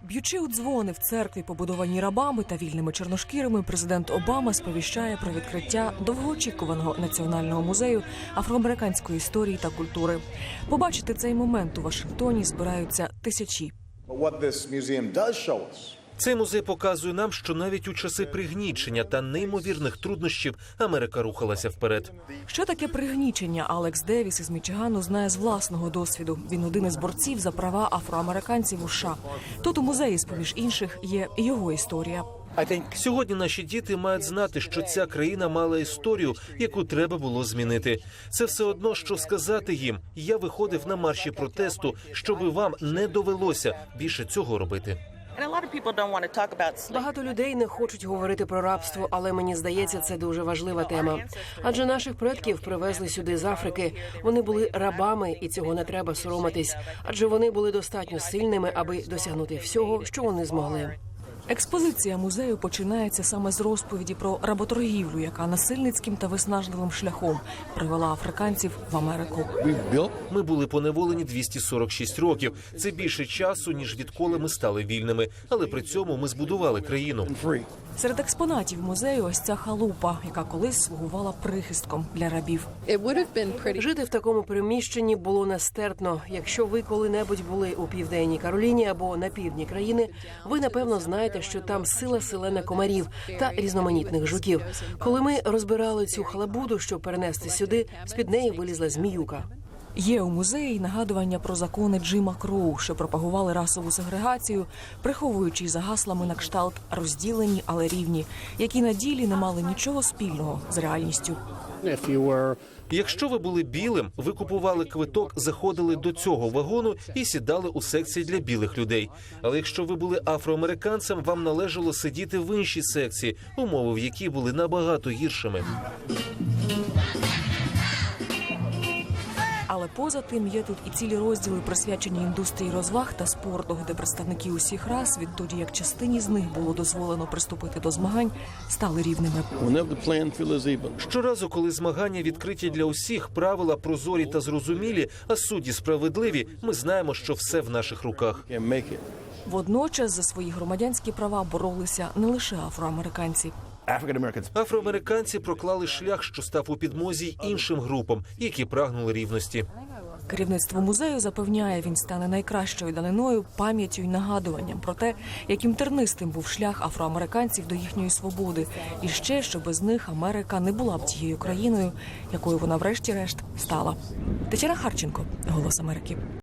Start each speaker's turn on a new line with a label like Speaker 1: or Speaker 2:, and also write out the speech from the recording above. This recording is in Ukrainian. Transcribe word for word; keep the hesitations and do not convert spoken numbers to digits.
Speaker 1: Б'ючи у дзвони в церкві, побудованій рабами та вільними чорношкірими, президент Обама сповіщає про відкриття довгоочікуваного національного музею афроамериканської історії та культури. Побачити цей момент у Вашингтоні збираються тисячі.
Speaker 2: Цей музей показує нам, що навіть у часи пригнічення та неймовірних труднощів Америка рухалася вперед.
Speaker 1: Що таке пригнічення, Алекс Девіс із Мічигану знає з власного досвіду. Він один із борців за права афроамериканців у США. Тут у музеї, з-поміж інших, є його історія.
Speaker 2: Сьогодні наші діти мають знати, що ця країна мала історію, яку треба було змінити. Це все одно, що сказати їм: я виходив на марші протесту, щоби вам не довелося більше цього робити.
Speaker 3: Багато людей не хочуть говорити про рабство, але мені здається, це дуже важлива тема. Адже наших предків привезли сюди з Африки. Вони були рабами, і цього не треба соромитись. Адже вони були достатньо сильними, аби досягнути всього, що вони змогли.
Speaker 1: Експозиція музею починається саме з розповіді про работоргівлю, яка насильницьким та виснажливим шляхом привела африканців в Америку.
Speaker 2: Ми були поневолені двісті сорок шість років. Це більше часу, ніж відколи ми стали вільними. Але при цьому ми збудували країну.
Speaker 1: Серед експонатів музею ось ця халупа, яка колись слугувала прихистком для рабів.
Speaker 3: Жити в такому приміщенні було нестерпно. Якщо ви коли-небудь були у Південній Кароліні або на півдні країни, ви, напевно, знаєте, що там сила селена комарів та різноманітних жуків. Коли ми розбирали цю халабуду, щоб перенести сюди, з-під неї вилізла зміюка.
Speaker 1: Є у музеї нагадування про закони Джима Кроу, що пропагували расову сегрегацію, приховуючи за гаслами на кшталт «розділені, але рівні», які на ділі не мали нічого спільного з реальністю.
Speaker 2: Якщо ви були білим, ви купували квиток, заходили до цього вагону і сідали у секції для білих людей. Але якщо ви були афроамериканцем, вам належало сидіти в іншій секції, умови в якій були набагато гіршими.
Speaker 1: Але поза тим є тут і цілі розділи, присвячені індустрії розваг та спорту, де представники усіх рас, відтоді як частині з них було дозволено приступити до змагань, стали рівними.
Speaker 2: Щоразу, коли змагання відкриті для усіх, правила прозорі та зрозумілі, а судді справедливі, ми знаємо, що все в наших руках.
Speaker 1: Водночас за свої громадянські права боролися не лише афроамериканці.
Speaker 2: Афроамериканці проклали шлях, що став у підмозі й іншим групам, які прагнули рівності.
Speaker 1: Керівництво музею запевняє, він стане найкращою даниною, пам'яттю й нагадуванням про те, яким тернистим був шлях афроамериканців до їхньої свободи. І ще, що без них Америка не була б тією країною, якою вона врешті-решт стала. Тетяна Харченко, «Голос Америки».